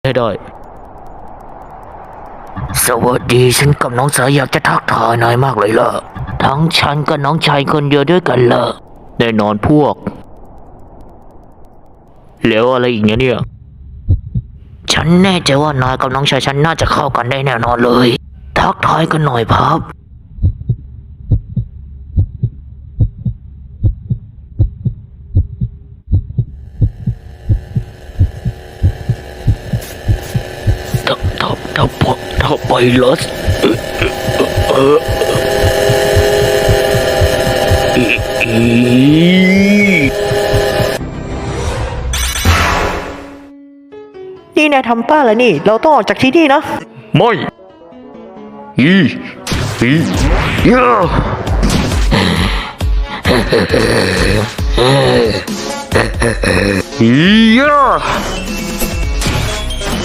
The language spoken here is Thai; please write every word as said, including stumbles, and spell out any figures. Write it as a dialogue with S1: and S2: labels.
S1: ให้ได้สวัสดีฉันกับน้องสาวอยากจะทักทายนายมากเลยล่ะทั้งฉันกับน้องชายคนเดียวด้วยกันล่ะแน่นอนพวกแล้วอะไรอีกเนี่ยเนี่ยฉันแน่ใจว่านายกับน้องชายฉันน่าจะเข้ากันได้แน่นอนเลยทักทายกันหน่อยครับถ้าถ้าถ้าถ้าไปลอสเอออีอี
S2: นี่นายทำป้าแล้วนี่เราต้องออกจากที่นี่นะ
S1: ไม่อีอียาอียา